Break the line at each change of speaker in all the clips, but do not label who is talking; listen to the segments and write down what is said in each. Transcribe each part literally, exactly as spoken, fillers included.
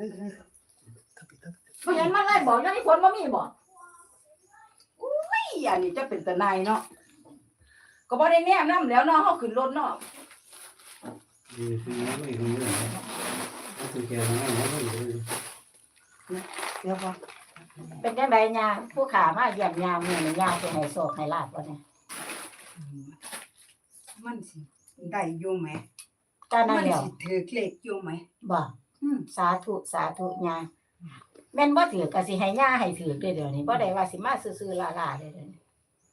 เพราะฉะนั้นมันเลยบอกยังมีผลบ่มีบ่อุ้ยอันนี้จะเป็นตะนายเนาะก็บ่ได้แนมนำแล้วเนาะเฮาขึ้นรถเนาะ
ดีคือไม่รู้เลยก็คือแกไม่ไม่ไม่รู้
เดี๋ยวบ่เป็นจังได๋ย่าผู้ขามาเยี่ยมยามมื้อนี้ย่าสิให้โชคให้ลาภบ่เนี่ย
มันสิได้อยู่ไหม
ก็นั่นแหละ
มันสิถือเลขอยู่ไหม
บ่อืมสาธุสาธุย่าแม่นบ่ถือก็สิให้ย่าให้ถือเด้อเดี๋ยวนี้บ่ได้ว่าสิมาซื่อๆล่าๆเด้อเดี๋ยวนี้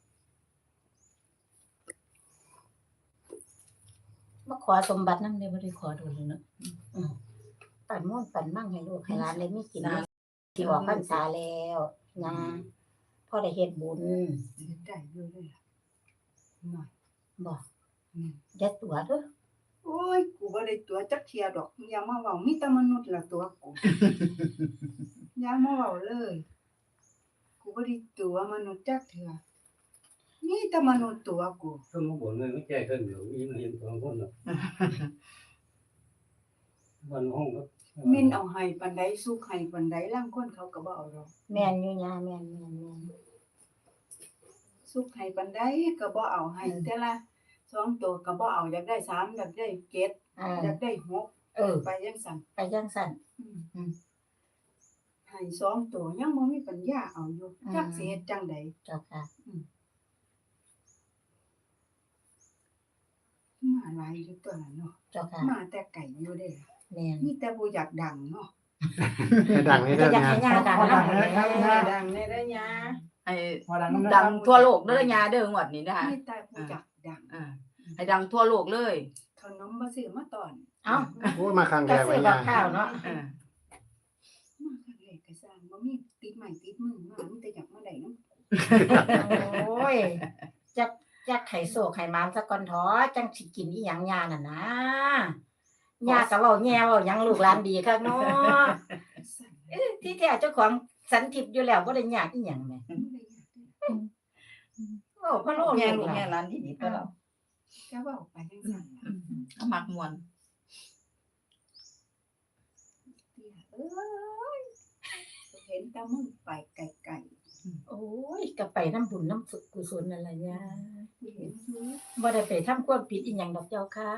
มาขอสมบัตินำได้บ่ได้ขอโดนเลยเนาะอือปั่นม่วนปั่นมั่งให้ลูกให้หลานได้มีกินที่ออกพรรษาแล้วย่าพอได้เฮ็ดบุญ
ได้อยู่เลยล่ะหน่อย
บ่อย่าตัวเด้อ
โอ้ยกูบ่ได้ตัวจักเที่ยดอกอย่ามาเว้ามีแต่มนุษย์ละตัวกูอย่ามาเว้าเลยกูบ่ได้ตัวมนุษย์จักเทื่อมีแต่มนุษย์ตัวกู
ก็มาบ่นเลยไม่แก้ขึ้นเดี๋ยวมีมาเห็นสองคนหรอกวันห้องก็
มินเอาให้ปานใดสุขให้ปานใดลางคนเขาก็บ่เอาดอก
แม่นอยู่ย่าแม่นๆ
สุขให้ปานใดก็บ่เอาให้แต่ละสองตัวก็บ่เอาอยากได้สามอยากได้เจ็ดอยากได้หก
เออ
ไปจังซั่น
ไปจังซั่น
อืมให้สองตัวยังบ่มีปัญญาเอาอยู่จักสิเฮ็ดจังได๋
เจ้าค่ะ
อืมมาหลายอยู่ตัวนั้นเนาะ
เจ้าค่ะ
มาแต่ไกลอยู่เด้
แม่น
มีแต่บ่อยากดังเนาะ
ดังนี่เด้อย
าดังดัง
ดังแน่เด้อยา
ให้ดังทั่วโลกเด้อยาเด้องวดนี้นะคะ
มีแต่บ่อยากดัง
อ่าให้ดังทั่วโลกเลย
ขนมบ่ซื้อมาตอน
เอ้า
โอ้มาครั้งแรก
ไว้ยาข้าวเนาะ
อ่า
มาครั้งแรกก็สร้างบ่มีติดไม้ติดมือมามีแต่อยากมาได้น
โ
ำ
อ้ยจักจักไข่โศกไข่มานซะก่อนท้อจังสิกินอีหยังยาน่ะนะยาก็เว้าแย่เว้าหยังลูกหลานดีคักเนาะเอ้ที่แท้เจ้าของสันทิพย์อยู่แล้วบ่ได้ยากอีหยังแหมโอ้พ่อโลก
แม่ลูกแม่หลานดีๆก็แล้ว
ก็เว้าไปจังซั่นล่ะ
ก็มักม่วน
เอ้ยเห็นแต่มึงไปไกล
ๆโอ้ยก็ไปนำบุญนำฝึกกุศลนั่นล่ะยา
เห็นอยู่
บ่ได้ไปทำความผิดอีหยังดอกเจ้าค่ะ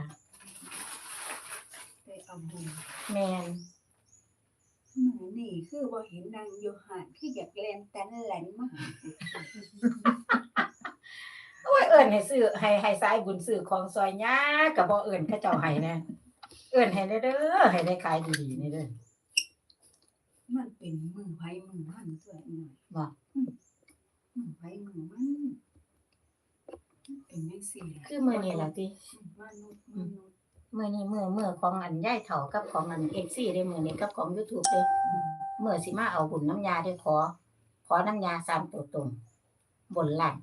ไปเอาบุญ
แม่น
มื้อนี้คือบ่เห็นนางอยู่หานคืออยากแล่นแตนแหลนมา
โอ้ยเอิ้นให้ซื้อให้ให้สายบุญซื้อของซอยยาก็บ่เอิ้นเขาเจ้าให้แน่เอิ้นให้เด้อให้ได้ขายดีๆนี่เด้อ
มันเป็นมือไผมือมันตัวหน่อย
บ่
มือไผมือมันเป็นจังซี่ล่ะ
คือมื้อนี้ล่ะติ
มนุษย์มนุษย์
มื้อนี้มื้อมื้อของอันยายเฒ่ากับของอัน เอฟ ซี เด้มื้อนี้กับของ YouTube เด้มื้อสิมาเอาบุญน้ำยาเด้อขอขอน้ำยาสามตัวตรงบนล่าง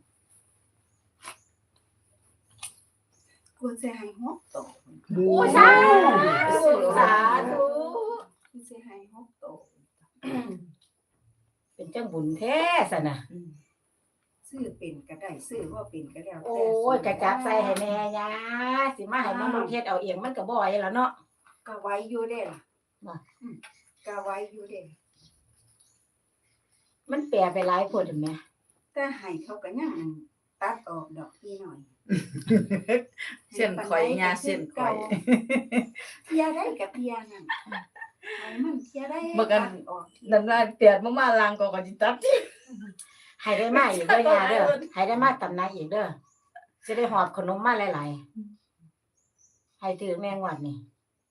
กูสิให้หกตัว
โอ้สาธุสาธุ
กูสิให้หกตัว
เป็นจังบุญแท้ซะน่ะ
ซื้อเป็นก็ได้ซื้อบ่เป็นก็แล้ว
โอ้ยกะจับใส่ให้แม่ยาสิมาให้มนุษย์เฮ็ดเอาเองมันก็บ่ไหวแล้วเนาะ
ก็ไว้อยู่เด้ล่ะ
บ่
อืมก็ไว้อยู่เด้
มันแปรไปหลายโพดแม่
แต่ให้เขาก็ยังตัดออกดอกอีหน่อย
เส้นข่อยยาเส้นข่อย
เที่ยได้ก็เที่ยนั่นให้มันเที่ยได้
บ่กันน้ำลายเปียกมาๆล้างก็ก็สิตัด
ให้ได้มาอีกเด้อยาเด้อให้ได้มาตำนานอีกเด้อสิได้หอบขนมมาหลายๆให้ถือแม่งวดนี่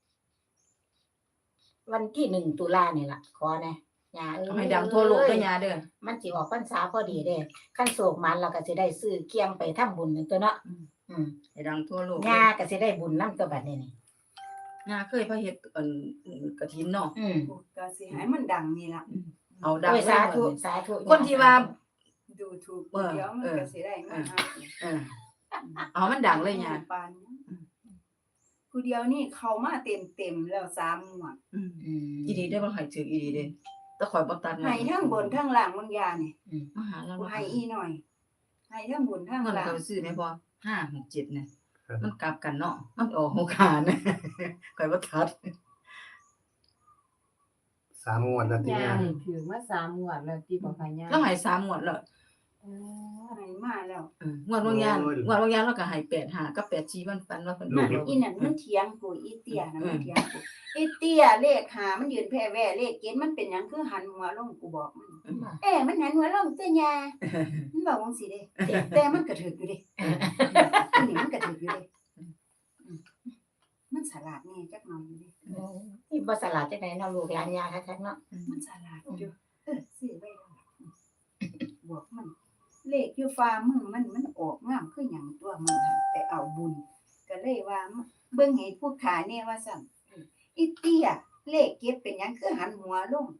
วันที่หนึ่งตุลานี่ล่ะขอแน่ยาเอ้ย
ให้ดังทั่วโลกเด้อยาเด้อ
มันสิออกพรรษาพอดีเด้คันโศกมันแล้วก็สิได้ซื้อเคียงไปทำบุญนั่นตัวเนาะอืม
ให้ดังทั่วโลก
ยาก็สิได้บุญนำตัวบัดนี้นี่
ยาเคยพาเฮ็ดอันกฐินเนาะ
อืม
ก็สิให้มันดังนี่ล่ะ
เอาดัง
สาธุสาธุ
คนที่ว่า
ดูถูกเดี๋ยวมันก็สิได้มาหา
เออเอามันดังเลยยา
ปานผู้เดียวนี่เข้ามาเต็มๆแล้วสามงวด
อืมอีดีได้บ่ให้ถึงอีดีเด้แต่ข่อยบ่ตัด
ให้ทั้งบนทั้งล่างมึงยานี่
มาหาเรา
ให้อีหน่อยให้ทั้งบนทั้งล่าง
มันก็ซื้อได้บ่ห้า หก เจ็ดเนี่ยมันกลับกันเนาะมันออกหกขานะข่อยบ่ตัด
สามงวดแล้วที่
ย่า
ย่า
นี่ถือมาสามงวดแล้วที่บอกค่ะย่า
แล้วให้สามงวดแล้ว
เออ
ไหนมาแล้ว
เอองวดบางยานงวดบางยานเราก็ให้แปดห้ากับแปดสี่มันปันว่าเพิ่น
นั่
มาน แล้ว
อีนั่นมันเถียงกูอีเตี้ยนะมันเถียงกูอีเตี้ยเลขหามันยืนแพ้แว่เลขเกณฑ์มันเป็นหยังคือหันหัวลงกูบอกมันเอ๊ะมันหันหัวลงเตี้ยยามันบอกจังซี่เด้แต่มันก็ถูกอยู่เด้อันนี้มันก็ถูกอยู่เด้มันฉลาดแน่จักหน่อยอยู่เด้
อืมนี่บ่สลาดจังได๋เนาะลูกหลานยาคักๆเนาะ
มันฉลาดอยู่เออซื้อไว้แล้วบอกมัน เลขอยู่ฟ้ามือมันมันออกงามคือหยังตัวมันหั่นไปเอาบุญก็เลยว่าเบิ่งให้ผู้ขาแน่ว่าซั่นอีเตี้ยเลขเก็บเป็นหยังคือหันหัวลง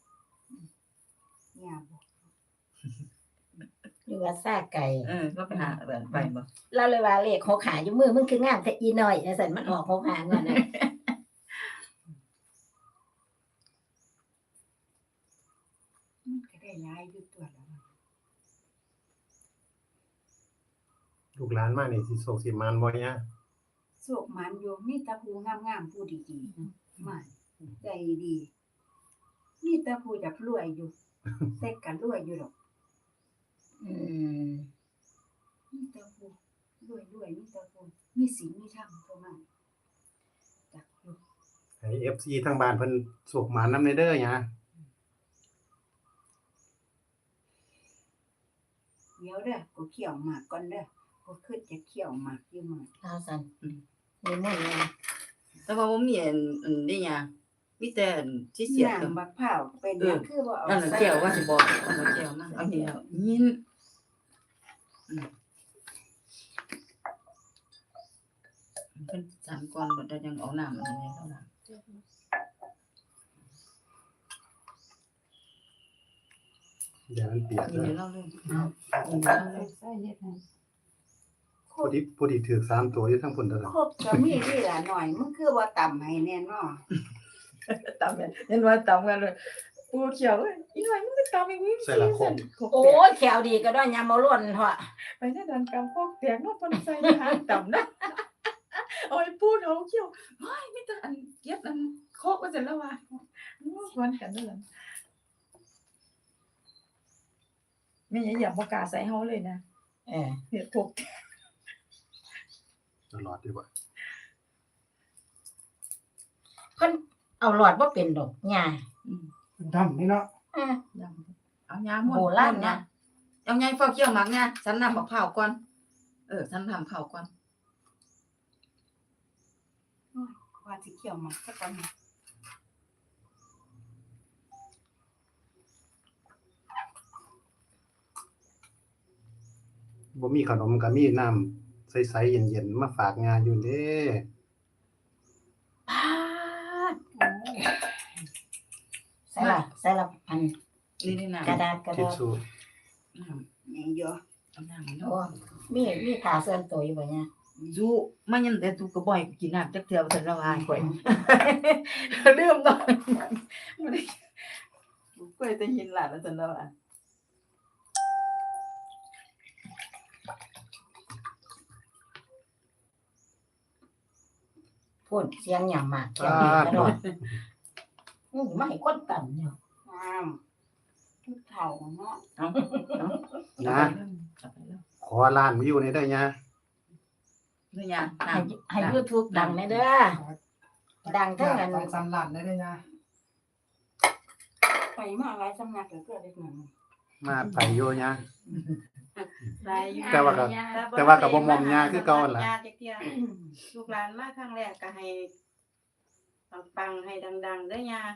ย่าบอก
หรือว่าซาไก่
เออก็ไปหาแบบไปบ่
เราเลยว่าเลขหกหาอยู่มือมึงคืองามแต่อีน้อยจังซั่นมันออกหกหานั่นน่ะ
มันก็ได้หลายอยู่ตัวแล้ว
ลูกหลานมานี่สิโศกสิมานบ่ย่า
โศกหมันอยู่มีแต่ผู้งามๆผู้ดีๆมาใจดีมีแต่ผู้อยากรวยอยู่แต่ก็รวยอยู่ดอก
อืม
มีแต่ผู้รวยๆมีแต่ผู้มีศีลมีธรรมเท่านั้นจักอยู่
ให้ เอฟ ซี ทางบ้านเพิ่นโศกหมานนำเด้อย่า
เดี๋ยวเด้อกูเขี่ยวหมากก่อนเด้อกูคิดจะเขี่ยวหมากอยู่มื้อ
เอาซั่นมีมุ่นเลย
แต่ว่าบ่มีอันอันนี้หยังมีแต่อันที่เสียบ
น้ำบักพร้าวเป็นหยังคือบ่เอา
นั่นน่ะ
ใส่
แก้วว่าสิบอกเอาแก้วมาเอานี่แล้วยินอืมเพิ่นสามก่อนบ่ได้ยังเอาน้ำอันนี้เท่านั้น
อย่ามันเปียก
ยิน
เด้อ
เล่าเรื่องยินเล่าเรื่อง
ใส่เฮ็ดให้
ผู้ที่ผู้ที่ถือสามตัวอยู่ทั้งพุ่นเด้อ
ครบก็มีนี่ล่ะหน่อยมึงคือว่าต่ำให้แน่นอน
ตามกันเห็นว่าตามกันเลยปูเขียวเอ้ยอีหน่อยมึงไปตามอีกวิ
ใส่ละคม
โอ้ยแขวดีก็ได้ยามบ่ล้นเถาะ
ไปแน่นอนกำพวกแตกเนาะคนใส่หาต่ำนะโอ้ยปูเฮาเขียวเฮ้ยมีแต่อันเก็บอันโคกว่าเสร็จแล้วว่ะชวนกันนั่นแหละไม่อย่าอย่าบ่กล้าใส่เฮาเลยนะ
เออ
เฮ็ดถูก
ตลอดดีกว่า
เพิ่นเอาหลอดบ่เป็นดอกยา
อืม
ทำนี่เนาะ
เออ
เอายาหมด
โบราณนะ
เอาไงฟอกเกี่ยวหมักไงฉันนำบักเผาวก่อนเออฉันทำเผาวก่อน
ว่าสิเขี่ยวหมากสักก่อนนะ
บ่มีขนมก็มีน้ำใสๆเย็นๆมาฝากงานอยู่เด้
ปาดใส่ละใส่ละอัน
นี่นี่น้ำ
กระดาษกระ
ทิช
ดาษ
ชู่
น้ำ
นี่เยอะ
เอาน้ำ
โอ้มีมีผ้าเสื้อตัวอยู่บ่เนี่ย
จูมันยังแต่ตูกระบ่อยกูกินน้ำจักเทื่อบ่ทันละวายข่อยลืมตอนบ่ได้กูเคยแต่ยินหลานแล้วทันละวาย
พูดเสียงหยังมากแขวดีกระโดดอือไม่คนต่ำเนี่ย
งามทุกเฒ่าเนาะ
เอาเอา
นะ
เอาไปแล้ว
ขอร้านมาอยู่ในเด้อย่า
นี่ยา
ให้
น้ำ
ให้ YouTube ดังแน่เด้อดังเท่านั้น
สันหลันได้เลยนะ
ไปมาหลายสำนักเหลือเกินเด็กหน่อย
มาไปอยู่ย่า
ได้อยู่
แต่ว่าก็ แต่ว่าก็บ่มอมยาคือเก่าหั่นล่ะ
ยาจักเที่ยลูกหลานมาครั้งแรกก็ให้ปังๆให้ดังๆเด้อยา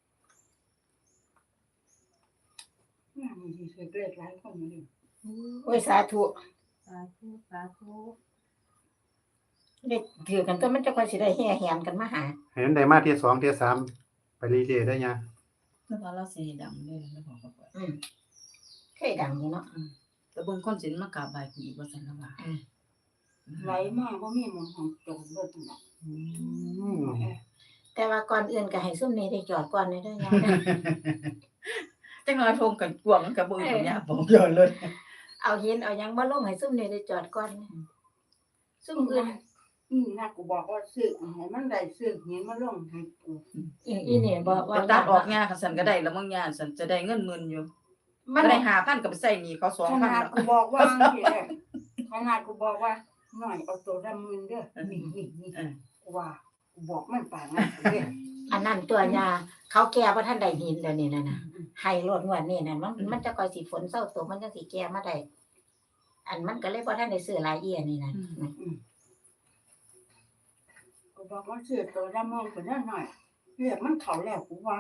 งามดีๆเกลียดหลายคนอยู่นี่
โอ้ยสาธุ
สาธุสาธุ
ได้ถือกันก็มันจะค่อยสิได้แห่แหนกันมาหา
ให้มันได้มาเที่ยสองเที่ยสามไปเรื่อยๆได้ย่า
แล้วพอเราสิดังเลยแล้วพอก็ไป
อืมเคยดังอยู่เนาะ
แต่เบิ่งคนสิมากราบไหว้กูอีกว่าซั่นละวาย
ไหลมาบ่มีหมองของจงเบิดนั่น
อืม
แต่ว่าก่อนอื่นก็ให้ซุ่มนี้ได้จอดก่อนเลยเด้อยา
จังน้อยทงกันกวงกับบ่อยู่เนี่ยบ่ย้อนเลย
เอาหินเอาหยังมาลงให้ซุ่มนี้ได้จอดก่อนนะซุ่มอื่น
อืมนะกูบอกว่าซื้อให้มันได้ซื้อเห็นมาลงให้กู
อีอีนี่บ่
ไป
ว่า
ตัดออกงาคันซั่นก็ได้แล้วมึงย่านซั่นจะได้เงินหมื่นอยู่
มัน
บ่ได้ห้าพันก็ไปใช้หนี้เขา
ข
สองพัน
นาด
แล้ว
กูบอกว่านี่แหละขนาดกูบอกว่าหน่อยเอาตัวดำมือเด้อนี่นี่นี่
เออ
กูว่ากูบอกมันป่านนั้นเด้อ
อันนั้นตัวยาเขาแก้บ่ทันได้หินแล้วนี่นั่นน่ะให้รถงวดนี่นั่นมันมันจะค่อยสิฝนเซาตกมันจังสิแก้มาได้อันมันก็เลยบ่ทันได้ซื้อหลายเอียนี่นั่น
กูบอกว่าซื้อตัวดำมือคนนั้นหน่อยเรียกมันเขาแล้วกูว่า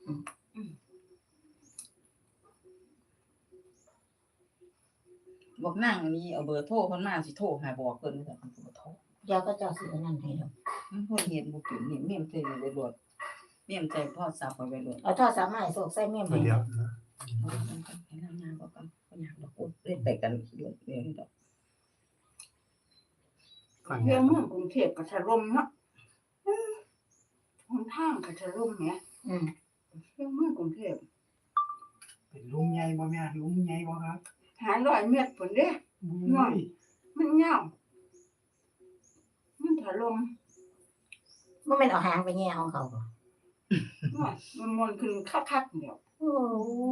บอกนั่งนี่เอาเบอร์โทรเพิ่นมาสิโทรหาบอกเพิ่นว่าซั่นเพิ่นบ่โทร
เดี๋ยวก็เจ้าสิอันนั้นให้ดอก
มันบ่เฮ็ดบ่เป็นนี่เมมใส่ไว้โลดเมมใส่โทรศัพท์ไว้โลด
เอาโทรศัพท์มาให้โศกใส่เมม
ตัว
ให้
เดียวนะ
เอากันกันให้นางานบ่กันบ่อยากดอกโอ้เล่นไปกันเดี๋ยวเดี๋ยวดอก
ฟัง
เรื่
แย่
องเมืองกรุงเทพก็ถล่มเนาะหนทางก็ถล่มแหม
อืม
เรื่องเมืองกรุงเทพ
เป็นลุงใหญ่บ่แม่ลุงใหญ่บ่ครับ
หาร้อยเมตรพุ่นเด้
น้อย
มันยาวมันถล่ม
บ่แม่นเอาหางไปแย่ของเขาบ่
น้อยมันมวนขึ้นคักๆเดียว
โอ้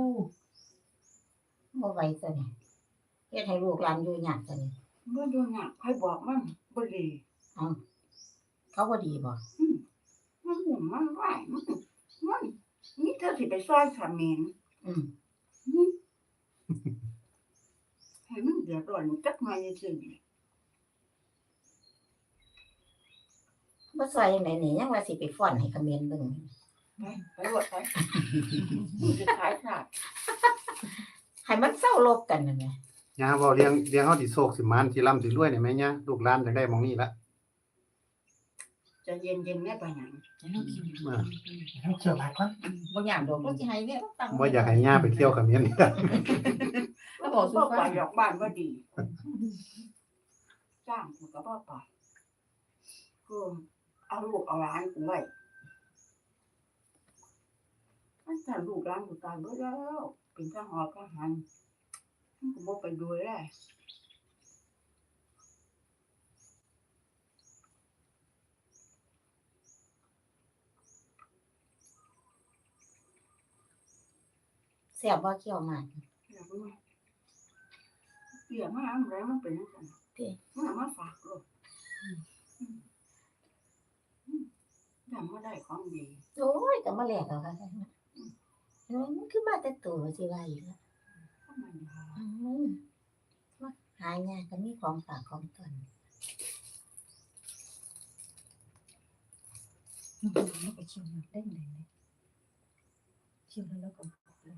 บ่ไหวซะนี่เฮ็ดให้ลูกหลานอยู่ยากซะนี่
บ่ดูหนักใครบอกมันบ่ดี
เขาบ่ดีบ่
มันหุ่มมันไหวมันมันนี่เธอสิไปซอยสามีน
อืม
ให้มันเดือดร้อนจักหน่อยซื่อ
บ่ซอยจังไดนี่ยังว่าสิไปฟ้อนให้เขมรเบิ่ง
ไปไปรวดไปมันจะขายขาด
ให้มันเศร้าลบกันนั่นแหละ
ย่าเว้าเลี้ยงเลี้ยงเฮาสิโศกสิมานสิร่ำสิรวยได้ไหมย่าลูกหลานจังได้หม้องนี้ละ
จะเย็นๆแม่ไปหยัง
มา
ให้เกี่ยวหลายคน
บ่อยากดอกบ่สิให้เนี่ยตั้ง
บ่อยากให้ย่าไปเที่ยวกับเมียนี่
แล้วบอกสู่
บ่
ฟั
ไป
ง
ดอกบ้านบ่ดีจ้างกูก็บ่ไปกูเอาลูกเอาหลานกูไว้อันถ้าลูกหลานกูตายเบิดแล้วเป็นทหารทหารมันก็บ่ไปดูแล
แซ่บบ่เคี่ยวหมาก
อยากรู้เกี่ยมาอะไรมันเป็นจังซั่นมันเอามาฝากลูกจำมาได้ของดี
โอ้ยก็มาแลกเอาค่ะเออมันคือมาแต่ตัวสิว่าอีกแล้ว
เข้ามาดี
อืมมาหายากก็มีของฝากของตน
แล้วก็เชื่อมันได้เลยเชื่อแล้วก็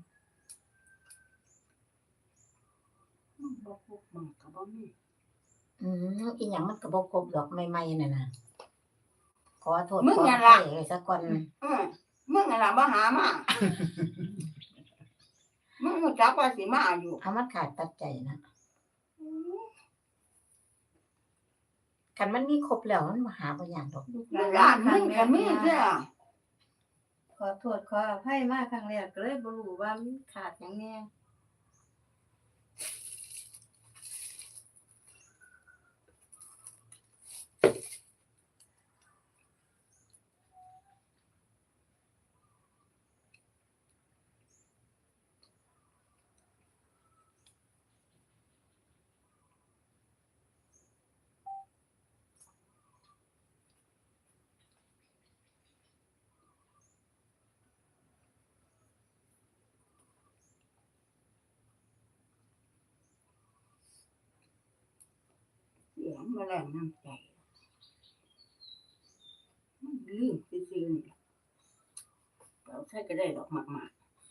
มันบ่พกมันก็บ่มี
อืมอีหยังมันก็บ่ครบดอกใหม่ๆนั่นน่ะขอโทษ
มึง
ขอ
อย่า
อ
ละ
ภัยซะก่อน
เออมึงน่ะล่ะบ่หามามึงรู้จักว่าสิมาอยู่
เอามันขาดปัจจัยนะคันมันมีครบแล้วมันมาหาบ่ยากดอก
ลูกห
ลู
ลาก น
หลานมึงก็มีเด้อ
ขอโทษขออภัยมาครั้งแรกก็เลยบ่รู้ว่ามันขาดหยังแน่
เสียงมาแรงน้ำใจมันลืมซื่อๆนี่ล่ะเราใช้ก็ได้ดอกมาก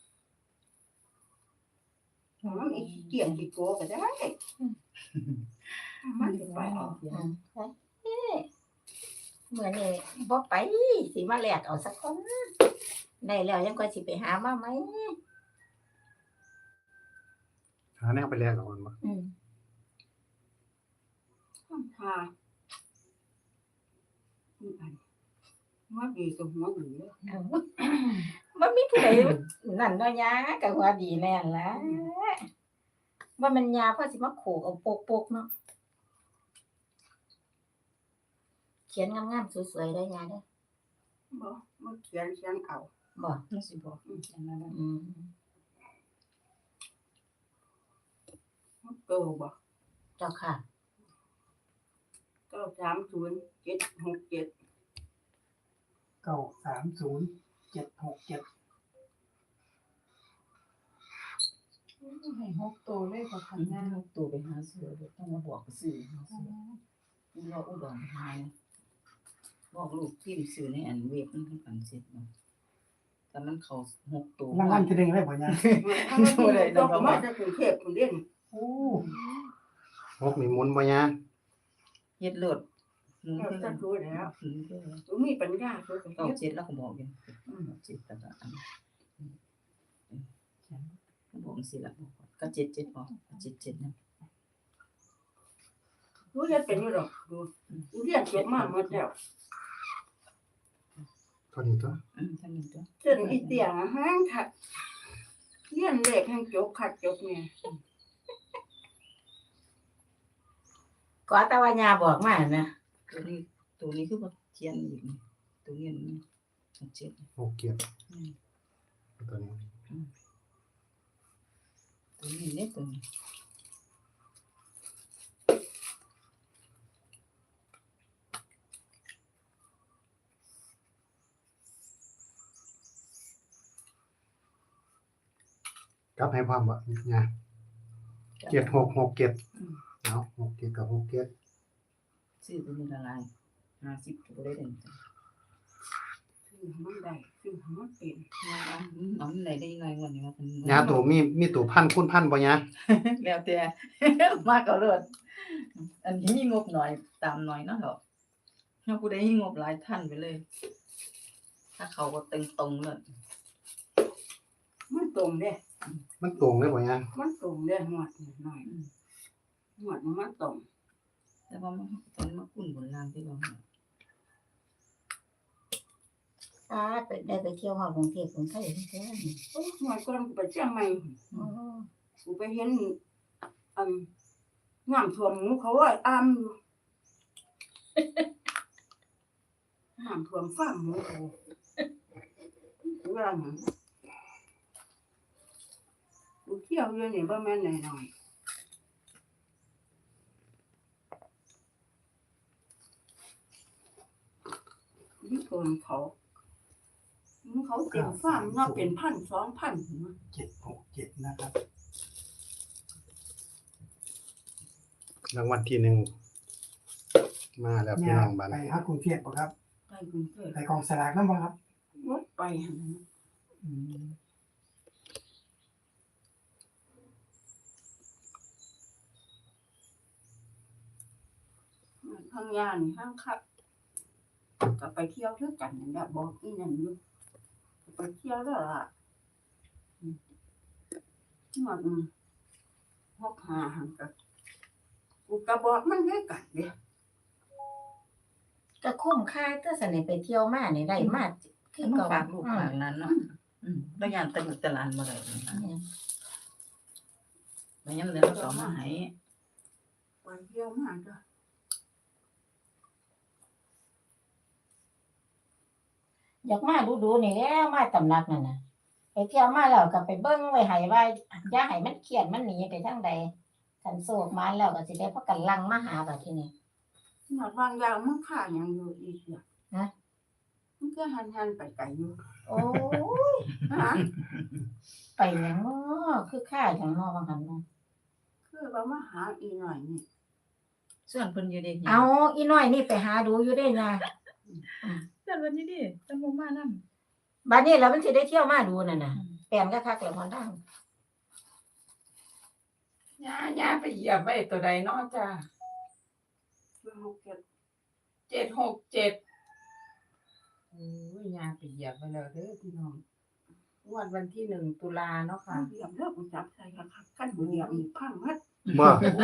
ๆมันมีขี้เกียจขี้โกก็ได้มันสิไปเอา
อืมไปเอ้มื้อนี้บ่ไปสิมาแลกเอาสักคนได้แล้วยังก็สิไปหามาไหม
หาแนวไปแลกกับมันบ่
อืม
ทำทาอีอันหัวดีกับหัวดีเลย
เอามันมีผู้ใดนั่นเนาะยาก็ว่าดีแน่นล่ะว่ามันยาเพราะสิมาโขกเอาโปกๆเนาะเขียนงามๆสวยๆได้ยาเด้อ
บ่บ่เขียนเขียนเอา
บ่
มันสิบอกอันนั้นน่ะ
อืม
โตบ่
เจ้าค่ะ
เก้าสามศูนย์เจ็ดหกเจ็ด
เก้าสามศูนย์เจ็ดหกเจ็ด
ให้หกตัวเลยบ่คันหน้าหกตัวไปหาซื้อบ่ต้องมาบอกซื้อหาซื้อนี่เราอุดรหายบอกลูกพิมพ์ซื้อในอันเว็บมันคือกันเสร็จเนาะแต่มันเข้าหกตัว
รางวัลที่หนึ่งได้บ่ยาย
บ่ได้ดอกมาจากกรุงเทพฯพุ่นเด้น
โอ้
หกนี่หมุนบ่ยะ
เฮ็ดเลิศหนู
เรา
คือ
จะ
กัน
ดูแล้ว
หนูคือกัน
ตัวมีปัญญาตัวก็
เก้า
เฮ็ด
เจ็ดแล้วก็บอกอยู่เจ็ดแต่ละอันก็บอกสิละบอกก็เจ็ดเจ็ดบอกเจ็ดเจ็ดนะ
รู้เฮ็ดเป็นอยู่ดอกดูดูเรียนเก็บมาหมดแล้ว
เท่านี้ตัว
อืมท่านหนึ่งตัว
เส้นอีเตียงอะหางคักเรียนเลขแห่งจบคักจบเนี่ย
ก็แต่ว่ายาบอกมานะ
ตัวนี้ตัวนี้คือว่าเทียนอีกนี่ตัวนี้นี่เจ็ด
หกเกียรติ
อืม
ตัวนี้
ตัวนี้เนี่ยตัวนี้
กลับให้พร้อมบ่ยะเจ็ดหกหกเจ็ดเอาหกเจ็ดกับหกเจ็ด
ซื้อตัวนี้ละลายห้าสิบตัวได้เด่น
คือมันได้คือมันเป็น
น้ำไหนได้ยังไงวันนี้มาเป็น
ยาตัวมีมีตัวพันคูณพันบ่ยะ
แล้วแต่ มากก็เลิศอันนี้มีงบหน่อยตามหน่อยเนาะเหรอถ้าผู้ใดมีงบหลายท่านไปเลย ถ้าเขาก็ตึงตรงเลย
มันตรงเด้
มันตรงเลยบ่ยะ
มันตรงเด้หมวดหน่อยหมวดมันตรง
แต่ว่ามันตอนมาคุ้นบนล่างที่เรา
อ่าไปได้ไปเที่ยวฮอดกรุงเทพกรุงไทยแท้
โอ้หมวดก่อนกูไปเชียงใหม่
ๆอ๋อ
กูไปเห็นอันน้ำท่วมหมูเขาว่าอามอยู่น้ำท่วมฟาร์มหมูเขากูว่าหยังกูเที่ยวอยู่นี่บ่แม่นน้อยๆนี่คนเขาหมูเขาเต็มฟาร์มเนาะเป็นพันสองพันพุ่นนะ
เจ็ดหกเจ็ดนะครับ
รางวัลที่หนึ่งมาแล้วพี่
ยา
น้องบ้าน
ไปฮักกรุงเทพบ่ครับ
ไปกรุงเทพ
ไปกองสลากนำบ่ครับ
รถไปหั่นน่ะ
อืม
ทางยานห้างคับก็ไปเที่ยวด้วยกันนั่นแหละบอกอีนั่นอยู่ไปเที่ยวแล้วล่ะอืมมันหกหาหันก็กูก็บอกมันด้วยกันเด้
ก็คุ้มค่าเตอสนิทไปเที่ยวมานี่ได้มาคื
คือ อมา
เก่า
ฝากลูกฝากนั้นเนาะอืมแล้วยานตะลุตะลานมาเลยนะแล้วยังเหลือสองมาให้
ไปเที่ยวมาจ้ะ
อยากมาดูๆนี่แหล้วมาตำหนักนั่นน่ะไปเที่ยวมาแล้วก็ไปเบิ่งไว้ให้ว่าอย่าให้มันเครียดมันหนีไปทางใดคันโศกมาแล้วก็สิได้พากันลังมาหาบัดทีนี้
หนอดวางยาวมันข่าหยังอยู่อีกอ่ะ
ฮะ
มันก็หันหันๆไปไกลอยู่
โอ้ย
ฮะ
ไปหยังน้อคือค่าหยังน้อว่าหั่นน่ะ
คือว่ามาหาอีหน่อยนี่
ส่วนเพิ่นอยู่เด็ก
เอาอีน้อยนี่ไปหาดูอยู่ได้นะ
ส่วนเพิ่นอยู่ดิจังบ่มานำ
บัดนี้แล้วมันสิได้เที่ยวมาดูนั่นน่ะแปลนคักๆแล้วมันดัง
ย่าย่าไปเหยียบไว้ตัวใดเนาะจ้า
คือหกเจ็ด
เจ็ดหกเจ็ดโอ้ยย่าไปเหยียบไปแล้วเด้อพี่น้องงวดวันที่หนึ่งตุลาเนาะค่ะ
เหยียบแล้วกูจับใส่คักๆขั้นบ่เหยียบนี่พังมัด
บ่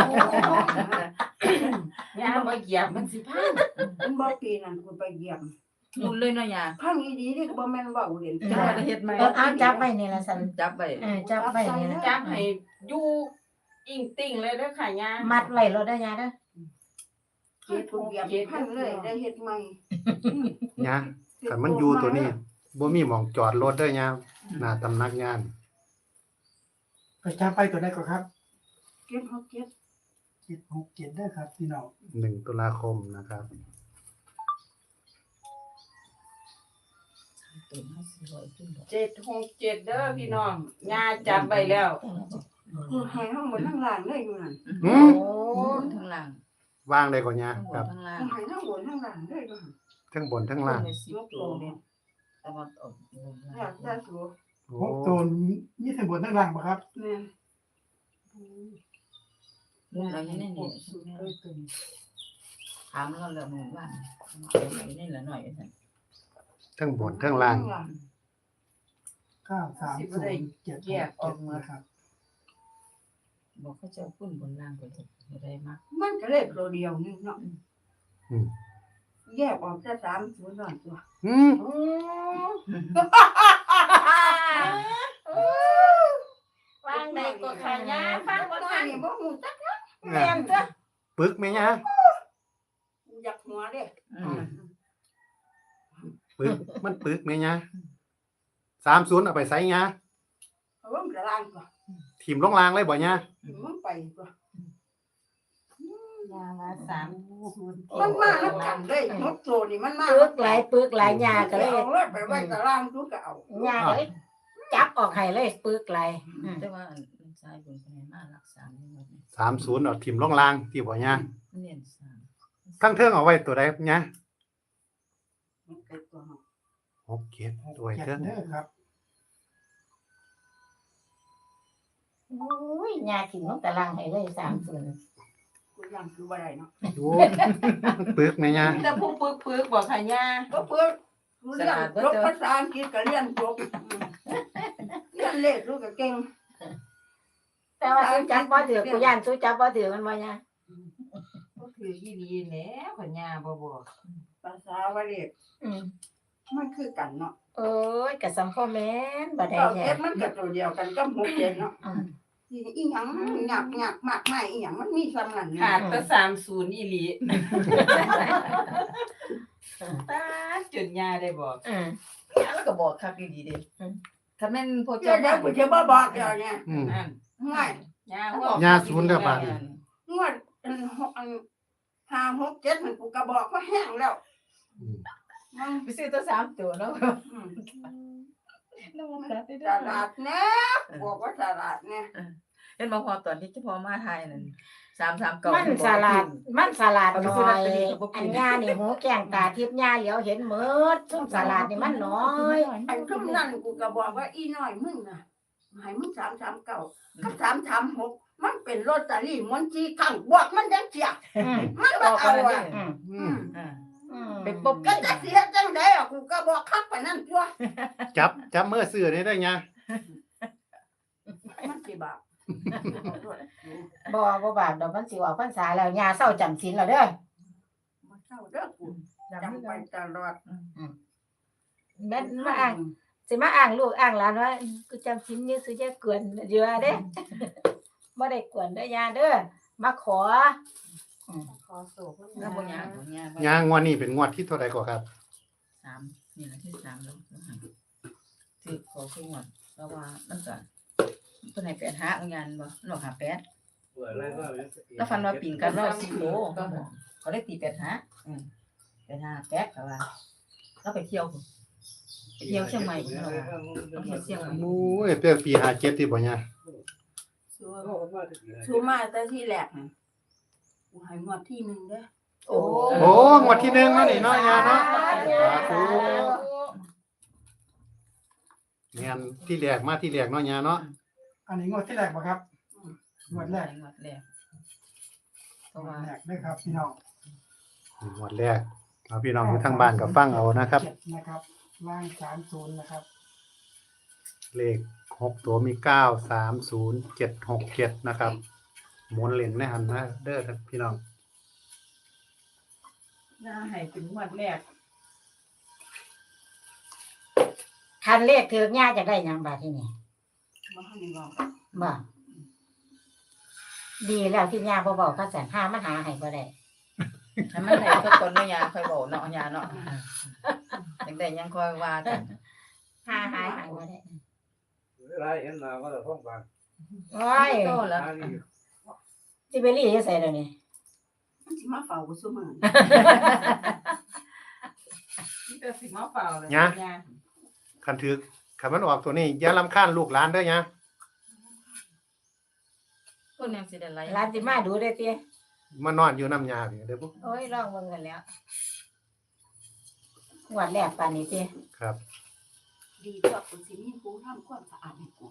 ย่ามาเหยียบมันสิพัง
มันบ่ปีนั้นกูไปเหยียบ
มุนเลยเนาะยา
พังอีดีนี่ก็บ่แม่นเว้าเล่น
จัง
จ้า
ว่าจะเฮ็ดใหม่
เออเอาจับไว้นี่ล่ะซั่น
จับไว้
เออจับไว้นี่นะ
จับให้อยู่อิงติ่งเลยเด้อค่ะย่า
มัดไว้รถได้ยาเด้อ
เฮ็ดทุกอย่างพันเลยได้เฮ็ดใหม่
ยาคันมันอยู่ตัวนี้บ่มีหม่องจอดรถเด้อยาหน้าตำนักงาน
ไปจับไปตัวได้ก็ครับ
เก็บเฮาเก็บ
เจ็ดหกเจ็ดได้ครับพี่น้อง
หนึ่งตุลาคมนะครับ
ตัวห้าสิบร้อยขึ้นดอก
เจ็ดหกเจ็ดเด้อพี่น้องยาจับไปแล้ว
กูให้ทั้งหมดทั้งล่างเลยอยู่นั่น
หื
โอ้
ม
ทั้งล่าง
วางได้ก่อนยา
ทั้งบ
ครั
น
บ
ทั้งล่าง
กูให้ทั้งบนทั้งล่างเลยอยู่นั่น
ทั้งบนทั้งล่าง
ในสิบตัวเนี่ยแต่ว่าออกบน
อยากจะสู
โอ้
หกตัวนี่ทั้งบนทั้งล่างบ่ครับ
แม่น
ลูกเราเนี่ยนี่ถามเราแล้วมึงว่าเอาไปนี่ละหน่อยสั่น
ทั้งบนทั้งล่าง
เก้าสามศูนย์เจ็ดหกเจ็ดนะครับ
บอกเขาจะเอาขึ้นบนล่างไปถูกอะไรมาก
มันก็เลขตัวเดียวนึงเนาะ
อืม
แยกออกจะสามศูนย์นั่นตัว
อืม
วางใดก็ขายาฟังบ่
ตัว
ทัน
นี้บ่ฮู้จัก
แม่นจ้ะ
ปึกไหมยา
อยากหัวเด้
อืม
ปึกมันปึกไหมยาสามศูนย์เอาไปใส่ยา
เอาลงกระล่างก่อน
ทีมลงลางเลยบ่ยา
มันไปก่อน
ยามาสามศูนย์
มันมาแล้วกันเลยนกตัวนี่มันมา
ปึกหลายปึกหลายยาก็เลย
เอาเลยไปไว้กระล่างกูก็เอา
ยาก็เลยจับออกให้เลยปึกหลายอืม
แต่ว่ามันชายบนคะแนนมารักษาไม่หมดเนี่ย
สามศูนย์เอาทีมลงลางที่บ่ยา
มันเรียนสาม
ทั้งเทิงเอาไว้ตัวใดยา
มันเกิดตัวเนาะ
หกเจ็ด
หก
ตัว
เจ็ด
เทิง
เด้อครับ
โอ้ยยาขิงลงตารางให้เลยสามศูนย์
กูยังคือบ่ได้เนาะ
โอ้มันปึกไหมยา
แต่ผู้ปึกปึกบอกค่ะยา
ก็เพื่อรู้เรื่องจบภาษาอังกฤษก็เรียนจบเรียนเลขรู้ก็เก่ง
แต่ว่าสู้จับบ่ถือกูย่านสู้จับบ่ถือมันบ่ยา
ก็คือยี่ดีแล้วค่ะยาบ่บอก
ภาษาวาเลข
อืม
มันคือกันเนาะ
โอ้ยก็สัมพ่อแม่นบ่ได้
เก้า
แท้
เจ็ดมันก็ตัวเดียวกันก็หกเจ็ดเนาะ
อืม
อีหยังหยักหยักมากมายอีหยังมันมีซ้ำนั่น
ขาดแต่สามศูนย์อีหลีตาจนยาได้บอก
อืม
แล้วก็บอกครับดีๆเด้
อืม
ถ้าแม่นพอ
เจ้า
เจ้า
เดี๋ยวกูจะบ่บอกเดี๋ยวเนี่ย
อืม
นั่น
ง่าย
ยาบอก
ยาศูนย์เด้อบาด
งวดอันหกอันห้าหกเจ็ดมันกูก็บอกว่าแห้งแล้ว
อืม
มัน
ไปซื้อตัวสามตัวเนาะ
อืม
น้ำมันตัดได้
ต
ด้วย
ลาดแน่บอกว่าตลาดแน่
เห็นบ่พอตอนที่เฉพาะมาไทยนั่นสามสามเก้า
มันสลัดมันสลัด
เอาไป
น้
ซื้อ
อ
ลอต
ย
เตอรี่ก็บ่กิน
อันยานี่หูแก้งตาทิพย์ยาเหลียวเห็นหมดซุ่มสลัดนี่มันน้อย
ไอ้ทุกนั่นกูก็บอกว่าอีน้อยมึงน่ะให้มึงสามสามเก้ากับสามสามหกมันเป็นลอตเตอรี่มันจีขังบอกมันยังเสีย
อืม
มัน
บ
บ่
อก
เอา
กัน
อ่ะ
เลย
อืม
อื
อื
ม
ม
อ่า
อืม
เป็นปุ๊บ
ก็จะเสียจังไดอ่ะกูก็บอกคักไปนั่นตัว
จับจับมือซื้อนี่ได้ยา
มันสิบาป
บ่บ่บาปดอกมันสิออกพรรษาแล้วยาเศร้าจำศีลแล้วเด้อ
มันเศร้าเด้อกูจำไปตลอด
แม่นมาอ้างสิมาอ้างลูกอ้างหลานว่ากูจำศีลอยู่สิจะกวนอยู่ว่าเด้ บ่ได้กวนเด้อยาเด้อมาขอ
ขอโศก
แล้วบ่ยากบ่ยาก
ยางวดนี้เป็นงวดที่เท่าไหร่ก่อนครับ
สามนี่แหละที่สามแล้วถือขอขึ้นก่อนเพราะว่ามันก็เพิ่นให้แปดหาเอางานบ่หนอกหาแปดแล้วฟันว่าปิ่นกันรอบสิบโลเขาได้ตีแปดหาอืมแปดหาแปดก็ว่าแล้วไปเที่ยวพุ่นไปเที่ยวเชียงใหม่พุ่นแล้วว่าไปเที่ยวเชียงใหม่
โอ้ยเปลี่ยนปีห้าเจ็ดที่บ่ยา
ชัวชัวมาแต่ที่แรกน่ะกูให้งวดที่หนึ่งเด้อ
โอ้
โอ้งวดที่หนึ่งเนาะนี่เนาะยาเนาะ แม่นที่แรกมาที่แรกเนาะยาเนาะ
อันนี้งวดที่แรกบ่ครับงวดแรก
งวดแรกเพ
ง
ราะ
ว
ว่า
ดแรกนะครับพี่น้อง
งวดแรกเอาพี่น้องอยู่ทางบ้านก็ฟังเอานะครับ
เจ็ดนะครับล่างสามศูนย์นะครับ
เลขหกตัวมีเก้าสามศูนย์เจ็ดหกเจ็ดนะครับหมุนเหรียญในหันนะเด้อครับพี่น้อง
ยาให้เป็นงวดแรก
คันเลขถือยาจะได้หยังบาดที่นี่
มาให้บอก
บ่ดีแล้วที่ยาบ่บอกก็แสนห้ามันหาให้บ่ได้
ให้มันได้ทุกคนเนาะยาค่อยเว้าเนาะยาเนาะจังได๋ยังค่อยว่ากัน
หาหาหาบ่ได้
ไรเอ็นนาก็จะท่องบาง
โอ้ย
โตแล้ว
อันนี้
สิไปรีอยู่ไสเดี๋ยวนี้
มันสิมาเฝ้ากูซุมื้อ
นี่ก็สิมาเฝ้าเลย
ยะ
ยา
คันถือคันมันออกตัวนี้อย่ารำคาญลูกหลานเด้อยะ
คนยังสิได้ไล่
หลานสิมาดูได้ติ
มานอนอยู่น้ำยาพี่เด้อปุ๊
โอ้ยลองเบิ่งกันแล้วงวดแรกปานนี้ติ
ครับ
ดีตัวกูสิมีกูทำความสะอาดให้กู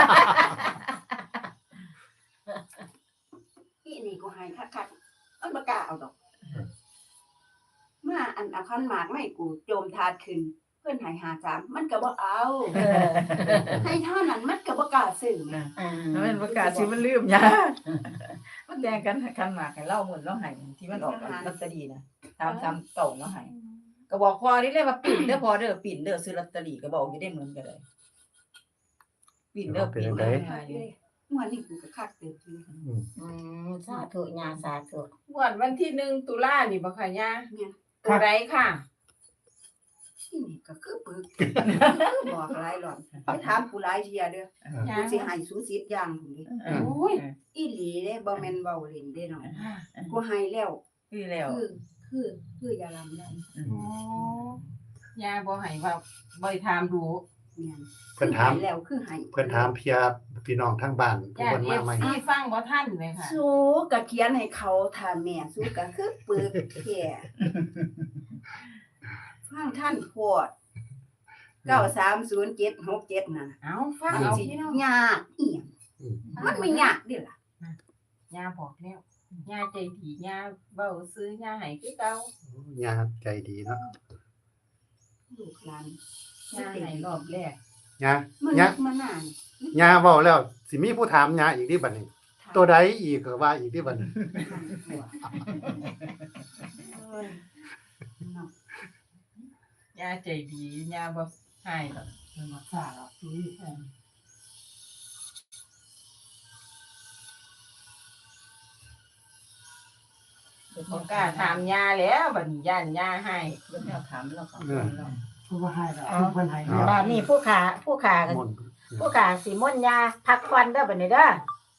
อีนี่กูให้คักๆมันบ่กล้าเอาดอกมาอันเอาคันหมากไม่กูโจมทาดขึ้นเพิ่นให้หาสามมันก็บ่เอา
เออ
ให้เท่านั้นมันก็บ่กล้าซื้อแม่
อ่า
แล้วมันประกาศสิมันลืมยามันแดงกันคันหมากให้เล่าหมดแล้วให้ที่มันออกลอตเตอรี่นะตามตามเก่าเนาะให้ก็บอกพอนี่เลยว่าปิ่นเด้อพอเด้อปิ่นเด้อซื้อลอตเตอรี่ก็บอกอยู่ได้เหมือนกันเลยปิ่นเด้อปิ่นเด้อ
หัวนี่กูก็คักเติบอยู่
อืม
อืมสาธุญาสาธุ
งวดวันที่หนึ่งตุลานี่บ่ค่ะยา
เนี่ย
ตัวใดค่ะ
อีนี่ก็คือปึกคือบอกหลายหลอนไปถามกูหลายเที่ยเด้อ
ยา
กูสิให้สูสิบอย่างพุ่นเด้
โอ้ย
อีหลีเด้บ่แม่นเว้าเล่นเด้น้องกูให้แล้ว
คือแล้ว
คือคือคืออย่าลำได้
โอ้ยาบ่ให้ว่าบ่ให้ถามดู
แม่น
เพิ่นถาม
ให้แล้วคือให้
เพิ่นถามเพียพี่น้องทางบ้านผู้
ยา
เพิ่น
เอ
มา
ฟ
ใหม่
ซีฟังบ่ทันเลยค่ะ
สูก็เขียนให้เขาถ้าแม่สูก็คือปึกแค่ฟังท่านโพดเก้าสามศูนย์เจ็ดหกเจ็ดน่ะ
เอาฟัง
มัน
เอา
สิ
พี่น้อง
ยากอีหยัง
อืม
มันไม่ยากเด้ล่ะ
ยาบอกแล้วยาใจดียาเว้าซื้อยาให้คือเก่าย
าใจดีเนาะ
ลูกหลาน
ยาให้รอบแรก
ยา
มัน
ยา
มานาน
ยาเว้าแล้วสิมีผู้ถามยาอีกที่บัดนี้ ตัวใดอีกก็ว่าอีกที่บัดนี้
เอ้ยเนาะ
ยาใจดียาบ่ให้หรอก
เป็นมาซ่าหรอกนี่
บ่กล้าถามยาแล้วบัดนี้ย่านยาให้
เพิ่นเอาถามแล้วก็
เพราะว่าให้แล้วคือเพิ่นให้แล้ว
บ้านนี้ผู้ขาผู้ขา
มนต์
ผู้ขาสิมนต์ยาพักควันเด้อบัดนี้เด้อ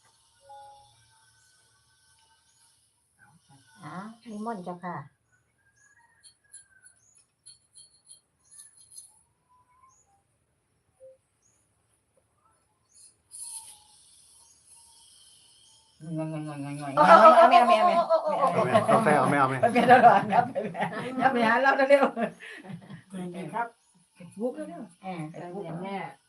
อ่านิมนต์เจ้าค่ะ
งอยๆๆๆๆ
โอ้
เอา
โอ้
แม่
โอ้
แม่
โอ้
แม่
โอ้โอ้โอ้
เอาแม่เอาแฟเอาแม่เอาแม่
ไปเป็นตลอดครับไปแม่อย่าไปหาเราเร็ว
เป็นไงครับ
ๆบุกเร็ว
เออ
แต่แม่แม่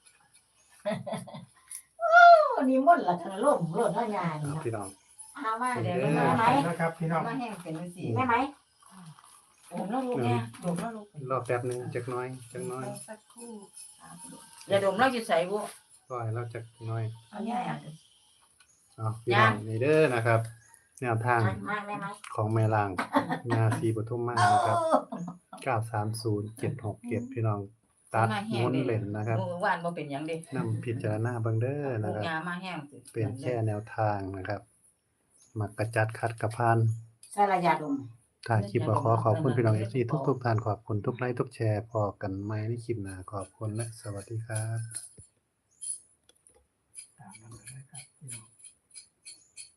โอ้นิมนต์ล่ะท่านล่มโลดเนาะยานี่
เอา
เนาะ
พี่น้อง
เอามา
เอ
เดี๋ยว
อ
แม่ไหม
นะครับพี่น้อง
มาแห้งเป็นจังซี่
แม่ไหม
โอ้น้องลูกแม่ดมน้องลูก
รอแป๊บหนึงจักหน้อยจักหน้อย
สักครู่
อย่าดมเราสิใส่บ่
ปล่อยเราจักหน้อย
เอาย่าอ่ะ
เอาพี่น้องนี่เด้อนะครับแนวทาง
มาแม่ไหม
ของแม่ลางยาสีปทุมมานะครับเก้าสามศูนย์เจ็ดหกเจ็ดพี่น้องตัดหมุนเล่นนะครับ
เมื่อวานบ่เป็นหยังเด้
นำพิจารณาเบิ่งเด้อ
ลู
นะ
ก
ครับ
ยามาแห้งสิ
เป็นแค่แนวทางนะครับ มักกระจัดคัดกระพาน
ใส่ระยะดม
ถ่ายคลิปก็ขอขอบคุณพี่น้องเอฟซีทุกๆท่านขอบคุณทุกไลค์ทุกแชร์พอกันไหมในคลิปหน้าขอบคุณและสวัสดีครับ
ตามนั้นเลยครับพี่น้อง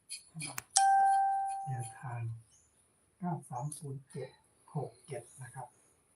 แนวทางเก้าสามศูนย์เจ็ดหกเจ็ดนะครับ